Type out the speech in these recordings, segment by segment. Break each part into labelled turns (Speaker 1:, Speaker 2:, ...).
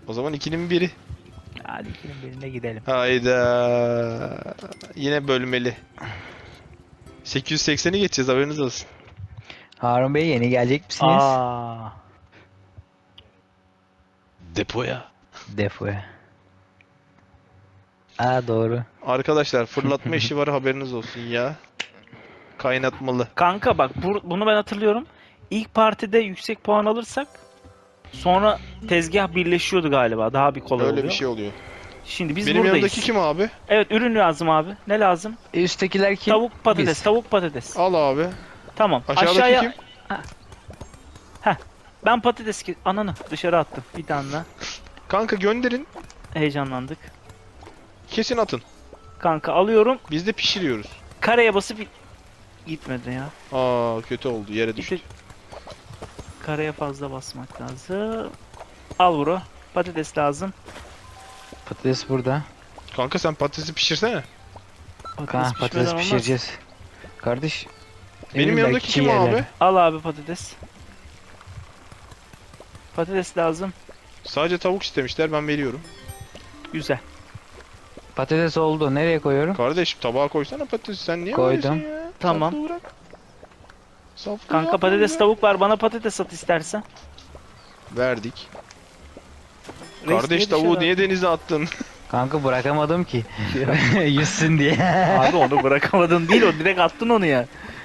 Speaker 1: O zaman 2'nin biri.
Speaker 2: Hadi ikinin birine gidelim.
Speaker 1: Hayda. Yine bölmeli. 880'i geçeceğiz, haberiniz olsun.
Speaker 3: Harun Bey yeni gelecek misiniz?
Speaker 2: Aa,
Speaker 1: Depoya.
Speaker 3: Defoya. Aa doğru.
Speaker 1: Arkadaşlar fırlatma işi var, haberiniz olsun ya. Kaynatmalı.
Speaker 2: kanka bak bunu ben hatırlıyorum. İlk partide yüksek puan alırsak sonra tezgah birleşiyordu galiba. Daha bir kolay
Speaker 1: Öyle
Speaker 2: oluyor.
Speaker 1: bir şey oluyor.
Speaker 2: Şimdi biz
Speaker 1: Benim
Speaker 2: buradayız.
Speaker 1: yanımdaki kim abi?
Speaker 2: Evet, ürün lazım abi. Ne lazım?
Speaker 3: Üsttekiler kim?
Speaker 2: Tavuk patates,
Speaker 3: Biz.
Speaker 2: tavuk patates.
Speaker 1: Al abi.
Speaker 2: Tamam.
Speaker 1: Aşağıdaki
Speaker 2: Aşağıya
Speaker 1: kim?
Speaker 2: ben patates ananı dışarı attım bir tane daha.
Speaker 1: Kanka gönderin.
Speaker 2: Heyecanlandık.
Speaker 1: Kesin atın.
Speaker 2: Kanka alıyorum.
Speaker 1: Biz de pişiriyoruz.
Speaker 2: Kareye basıp gitmedi ya.
Speaker 1: Aa, kötü oldu, yere düştü.
Speaker 2: İşte kareye fazla basmak lazım. Al bro. Patates lazım.
Speaker 3: Patates burada.
Speaker 1: Kanka sen patatesi pişirsene.
Speaker 2: Patates
Speaker 3: Patates
Speaker 2: pişmeden olmaz.
Speaker 3: pişireceğiz. Kardeş.
Speaker 1: Benim
Speaker 3: emin
Speaker 1: yanımdaki
Speaker 3: belki
Speaker 1: kim
Speaker 3: yerler.
Speaker 1: abi?
Speaker 2: Al abi patates. Patates lazım.
Speaker 1: Sadece tavuk istemişler, ben veriyorum.
Speaker 2: Güzel.
Speaker 3: Patates oldu. Nereye koyuyorum?
Speaker 1: Kardeşim tabağa koysana patatesi, sen niye
Speaker 3: Koydum.
Speaker 1: böylesin ya?
Speaker 2: Tamam.
Speaker 1: Saflığı bırak. Saflığı
Speaker 2: Kanka
Speaker 1: yapma
Speaker 2: patates
Speaker 1: ya.
Speaker 2: tavuk var. Bana patates at istersen.
Speaker 1: Verdik.
Speaker 2: Reis
Speaker 1: Kardeş
Speaker 2: niye
Speaker 1: tavuğu
Speaker 2: dışarı
Speaker 1: niye denize attın?
Speaker 3: Kanka bırakamadım ki. Yüzsün diye.
Speaker 2: Abi onu bırakamadın değil, o direkt attın onu ya.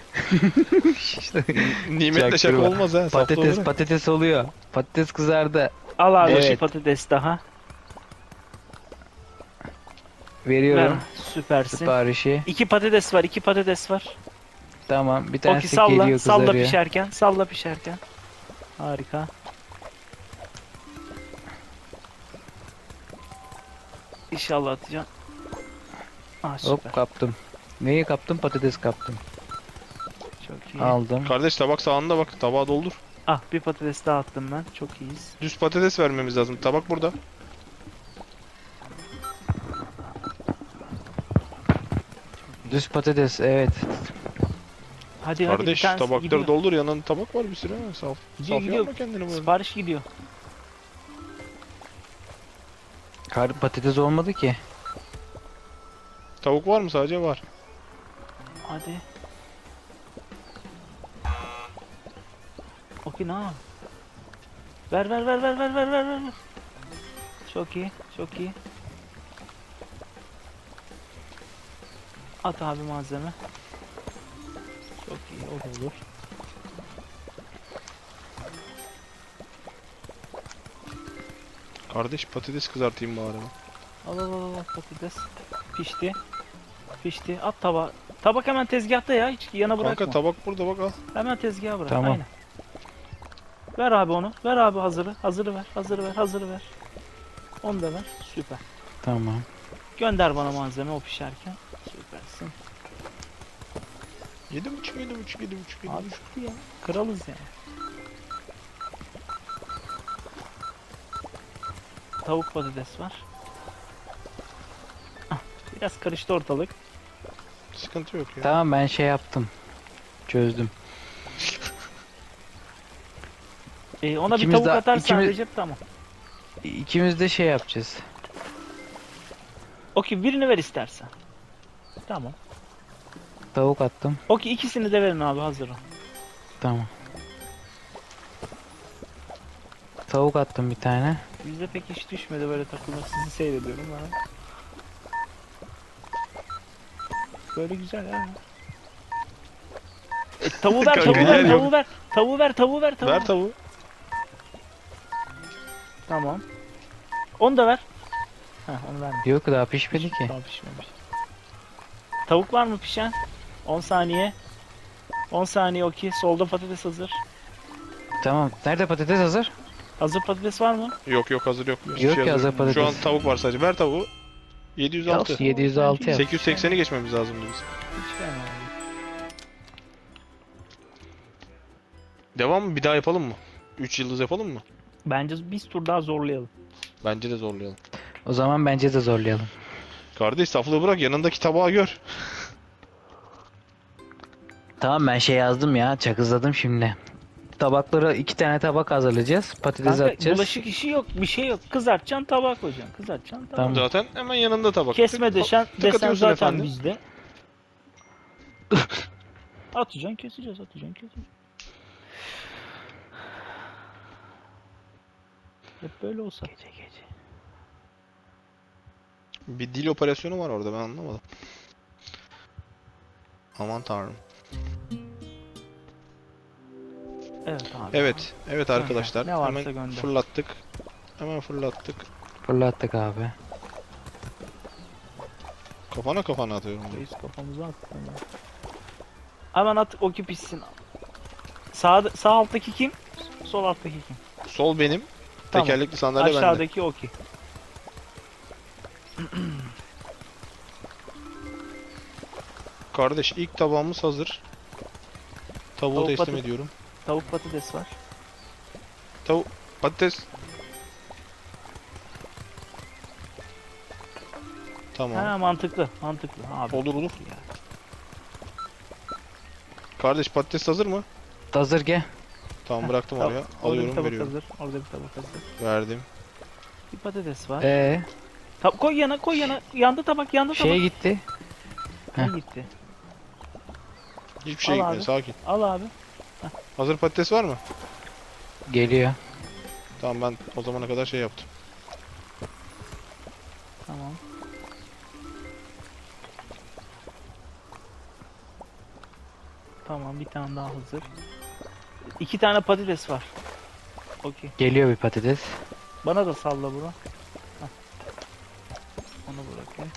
Speaker 1: Nimetle şaka
Speaker 3: Çaktırma.
Speaker 1: olmaz ha. Saflığı
Speaker 3: Patates
Speaker 1: bırak.
Speaker 3: patates oluyor. Patates kızardı.
Speaker 2: Al abi
Speaker 3: Evet.
Speaker 2: şu patates daha. Ver.
Speaker 3: Veriyorum
Speaker 2: Süpersin.
Speaker 3: siparişi.
Speaker 2: 2 patates var, 2 patates var.
Speaker 3: Tamam. Bir
Speaker 2: Oki
Speaker 3: tanesi
Speaker 2: salla,
Speaker 3: geliyor
Speaker 2: salla
Speaker 3: kızarıyor.
Speaker 2: pişerken, salla pişerken. Harika. İnşallah atacağım. Ah süper.
Speaker 3: Hop kaptım. Neyi kaptım? Patates kaptım.
Speaker 2: Çok iyi.
Speaker 3: Aldım.
Speaker 1: Kardeş tabak sağında bak, tabağa doldur.
Speaker 2: Ah bir patates daha attım ben. Çok iyiyiz.
Speaker 1: Düz patates vermemiz lazım. Tabak burada.
Speaker 3: Düz patates evet.
Speaker 2: Hadi hadi bir
Speaker 1: Kardeş
Speaker 2: tanesi
Speaker 1: tabakları
Speaker 2: gidiyor.
Speaker 1: doldur, yanında tabak var bir sürü. Ha. Saf,
Speaker 2: Gidiyor,
Speaker 1: saf
Speaker 2: gidiyor.
Speaker 1: yapma kendini böyle.
Speaker 2: Sipariş gidiyor.
Speaker 3: Patates olmadı ki.
Speaker 1: Tavuk var mı sadece? Var.
Speaker 2: Hadi. Okey na. Ver. Çok iyi, çok iyi. At abi malzeme. Çok iyi, o da olur.
Speaker 1: Kardeş patates kızartayım bari ben.
Speaker 2: Al patates. Pişti. Pişti. At tabağa. Tabak hemen tezgahta ya. Hiç yana bırakma.
Speaker 1: Kanka tabak burada bak, al.
Speaker 2: Hemen tezgaha bırak.
Speaker 3: Tamam.
Speaker 2: Aynen. Ver abi onu. Ver abi hazırı. Hazırı ver. Onu da ver. Süper.
Speaker 3: Tamam.
Speaker 2: Gönder bana malzeme o pişerken. Süpersin.
Speaker 1: 7,5.
Speaker 2: Abi çok iyi ya. Kralız yani. Tavuk patates var. Ah, biraz karıştı ortalık.
Speaker 1: Sıkıntı yok ya.
Speaker 3: Tamam ben şey yaptım. Çözdüm.
Speaker 2: Ona
Speaker 3: İkimiz
Speaker 2: bir tavuk
Speaker 3: de-
Speaker 2: atarsan
Speaker 3: ikimiz-
Speaker 2: Recep tamam.
Speaker 3: İkimiz de şey yapacağız.
Speaker 2: Okey birini ver istersen. Tamam.
Speaker 3: Tavuk attım.
Speaker 2: Okey ikisini de verin abi hazır ol.
Speaker 3: Tamam. Tavuk attım bir tane.
Speaker 2: Bizde pek hiç düşmedi böyle takılır. Sizi seyrediyorum ben. Böyle güzel ha. Tavuğu ver,
Speaker 1: Kanka,
Speaker 2: tavuğu ver,
Speaker 1: yer yok.
Speaker 2: tavuğu ver. Tavuğu ver.
Speaker 1: Ver tavuğu.
Speaker 2: Tamam. Onu da ver. Heh, onu verme.
Speaker 3: Yok daha pişmedi ki.
Speaker 2: Daha pişmemiş. Tavuk var mı pişen? 10 saniye. 10 saniye okey. Solda patates hazır.
Speaker 3: Tamam. Nerede patates hazır?
Speaker 2: Hazır patates var mı?
Speaker 1: Yok hazır yok. Hiçbir
Speaker 3: Yok
Speaker 1: şey
Speaker 3: ki hazır
Speaker 1: Şu
Speaker 3: patates.
Speaker 1: an tavuk var sadece. Ver tavuğu. 706.
Speaker 3: Yaz, 706 yap.
Speaker 1: 880'i geçmemiz lazım biz.
Speaker 2: Hiç fena değil.
Speaker 1: Devam mı? Bir daha yapalım mı? 3 yıldız yapalım mı?
Speaker 2: Bence biz tur daha zorlayalım.
Speaker 1: Bence de zorlayalım.
Speaker 3: O zaman bence de zorlayalım.
Speaker 1: Kardeş saflığı bırak, yanındaki tabağı gör.
Speaker 3: Tamam ben şey yazdım ya. Çakızladım şimdi. tabaklara 2 tane tabak hazırlayacağız. Patates
Speaker 2: Kanka
Speaker 3: atacağız.
Speaker 2: bulaşık işi yok, bir şey yok. Kızartacaksın, tabağa koyacaksın. Kızartacaksın, tabağa.
Speaker 3: Tamam.
Speaker 1: Zaten hemen yanında tabak.
Speaker 2: Kesme desen
Speaker 1: atıyorsun
Speaker 2: zaten
Speaker 1: efendim.
Speaker 2: bizde. Atacaksın, keseceğiz, atacaksın, keseceğiz. Hep böyle olsa. Gece gece.
Speaker 1: Bir dil operasyonu var orada, ben anlamadım. Aman tanrım.
Speaker 2: Evet abi.
Speaker 1: Evet arkadaşlar.
Speaker 2: Ne varsa
Speaker 1: Hemen
Speaker 2: gönder.
Speaker 1: fırlattık. Hemen fırlattık.
Speaker 3: Fırlattık abi.
Speaker 1: Kafana atıyorum.
Speaker 2: Reis kafamıza attı. Hemen at, o ki pişsin. Sağ alttaki kim? Sol alttaki kim?
Speaker 1: Sol benim.
Speaker 2: Tamam.
Speaker 1: Tekerlekli sandalye bende.
Speaker 2: Aşağıdaki o ki.
Speaker 1: Kardeş, ilk tabağımız hazır. Tavuğu
Speaker 2: Tavuk
Speaker 1: teslim
Speaker 2: patates.
Speaker 1: ediyorum.
Speaker 2: Tavuk patates var.
Speaker 1: Patates. Tamam.
Speaker 2: Ha mantıklı, mantıklı abi.
Speaker 1: Olur.
Speaker 2: Ya.
Speaker 1: Kardeş, patates hazır mı?
Speaker 3: Hazır gel.
Speaker 1: Tamam, bıraktım
Speaker 2: Tamam,
Speaker 1: oraya.
Speaker 2: orada bir
Speaker 1: Alıyorum,
Speaker 2: tabak
Speaker 1: veriyorum.
Speaker 2: hazır. Orada bir tabak hazır.
Speaker 1: Verdim.
Speaker 2: Bir patates var. Koy yana, koy yana. Yandı tabak, yandı
Speaker 3: Şeye
Speaker 2: tabak.
Speaker 3: gitti.
Speaker 2: Ne gitti?
Speaker 1: Hiçbir şey
Speaker 2: Al
Speaker 1: gitmedi,
Speaker 2: abi.
Speaker 1: sakin.
Speaker 2: Al abi.
Speaker 1: Hazır patates var mı?
Speaker 3: Geliyor.
Speaker 1: Tamam, ben o zamana kadar şey yaptım.
Speaker 2: Tamam. Tamam, bir tane daha hazır. 2 tane patates var. Okey.
Speaker 3: Geliyor bir patates.
Speaker 2: Bana da salla bro. Hah. Onu bırakayım.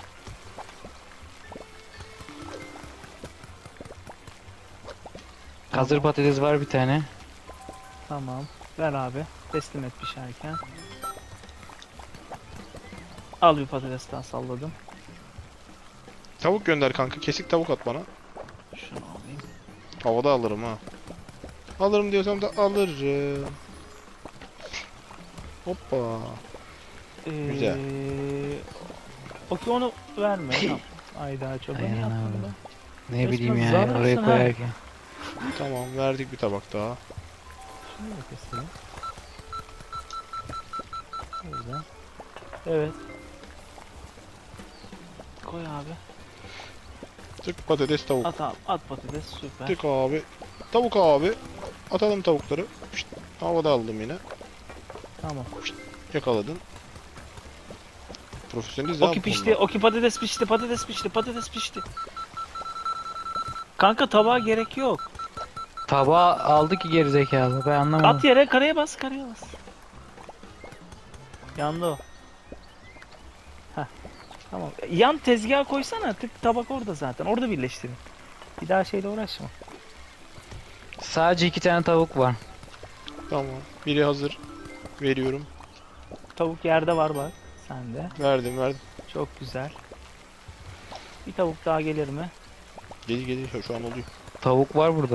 Speaker 3: Hazır
Speaker 2: Tamam.
Speaker 3: patates var bir tane.
Speaker 2: Tamam. Ver abi. Teslim et pişerken. Al bir patates daha salladım.
Speaker 1: Tavuk gönder kanka. Kesik tavuk at bana.
Speaker 2: Şunu alayım.
Speaker 1: Havada alırım ha. Alırım diyorsam da alırım. Hoppa. Güzel.
Speaker 2: Okey, onu verme. Tamam. Ayda çok
Speaker 3: Aynen
Speaker 2: ne yaptın
Speaker 3: abi.
Speaker 2: be?
Speaker 3: Ne
Speaker 2: Resmen
Speaker 3: bileyim ya
Speaker 2: zararlısın
Speaker 3: oraya
Speaker 2: ha.
Speaker 3: koyarken.
Speaker 1: Tamam, verdik bir tabak daha.
Speaker 2: Şunu da keselim. Öyle. Evet. Koy abi.
Speaker 1: Tık patates tavuk.
Speaker 2: At abi. At patates, süper.
Speaker 1: Tık abi. Tavuk abi. Atalım tavukları. Şşt, havada aldım yine.
Speaker 2: Tamam.
Speaker 1: Yakaladın. Profesyoneliz ya
Speaker 2: Oki
Speaker 1: bu
Speaker 2: pişti.
Speaker 1: konuda.
Speaker 2: Oki patates pişti. Patates pişti. Patates pişti. Kanka tabağa gerek yok.
Speaker 3: Tabağı aldı ki gerizekalı. Ben anlamadım.
Speaker 2: At yere, karaya bas, karaya bas. Yandı o. Heh. Tamam. Yan tezgaha koysana. Tık tabak orada zaten. Orada birleştirin. Bir daha şeyle uğraşma.
Speaker 3: Sadece 2 tane tavuk var.
Speaker 1: Tamam. Biri hazır. Veriyorum.
Speaker 2: Tavuk yerde var bak. Sende.
Speaker 1: Verdim.
Speaker 2: Çok güzel. Bir tavuk daha gelir mi?
Speaker 1: Geliyor şu an oluyor.
Speaker 3: Tavuk var burada.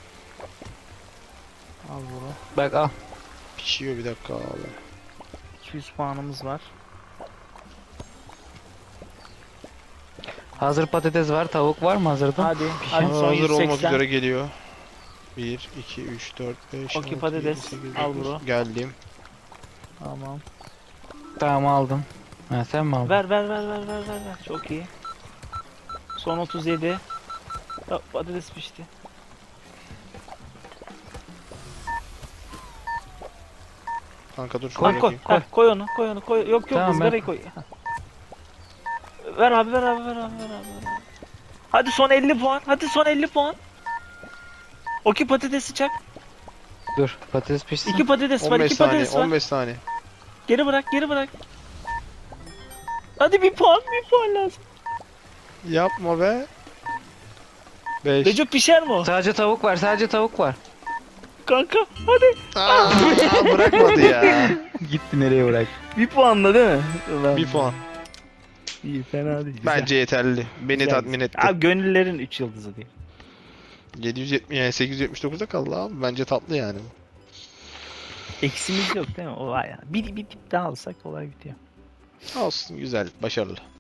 Speaker 2: Al bunu.
Speaker 3: Bak al.
Speaker 1: Pişiyor, bir dakika abi.
Speaker 2: 200 puanımız var.
Speaker 3: Hazır patates var. Tavuk var mı hazırda?
Speaker 2: Hadi. Hadi son
Speaker 1: Hazır olmak
Speaker 2: 180.
Speaker 1: üzere geliyor. 1, 2, 3, 4, 5,
Speaker 2: Okey,
Speaker 1: 6,
Speaker 2: patates.
Speaker 1: 7, 8,
Speaker 2: Al
Speaker 1: 9.
Speaker 2: bro.
Speaker 1: Geldim.
Speaker 2: Tamam.
Speaker 3: Tamam aldım. Ha sen mi aldın?
Speaker 2: Ver. Çok iyi. Son 37. Ya, patates pişti.
Speaker 1: Kanka dur şunu
Speaker 2: Koy koy.
Speaker 1: bırakayım.
Speaker 2: Koy onu. Koy onu. Koy. Yok
Speaker 3: Tamam,
Speaker 2: ızgarayı
Speaker 3: ben-
Speaker 2: koy. Ver abi. Hadi son 50 puan. Hadi son 50 puan. Okey, patatesi çak.
Speaker 3: Dur patates pişsin.
Speaker 2: 2 patates var.
Speaker 1: 15
Speaker 2: 2
Speaker 1: saniye,
Speaker 2: patates var.
Speaker 1: 15 saniye.
Speaker 2: Geri bırak. Hadi bir puan lazım.
Speaker 1: Yapma be. 5.
Speaker 2: Recep pişer mi o?
Speaker 3: Sadece tavuk var.
Speaker 2: Kanka hadi.
Speaker 1: Bırakmadı ya.
Speaker 3: Gitti nereye bırak?
Speaker 2: Bir puanla değil mi? Ulan,
Speaker 1: 1 puan.
Speaker 2: İyi, fena değil. Güzel.
Speaker 1: Bence yeterli. Beni
Speaker 2: Güzel.
Speaker 1: tatmin etti.
Speaker 2: Abi gönüllerin 3 yıldızı değil.
Speaker 1: 770 yani 879'da kaldı abi. Bence tatlı yani.
Speaker 2: Eksimiz yok değil mi? O var ya. Bir tip daha alsak olay bitiyor.
Speaker 1: Olsun, güzel, başarılı.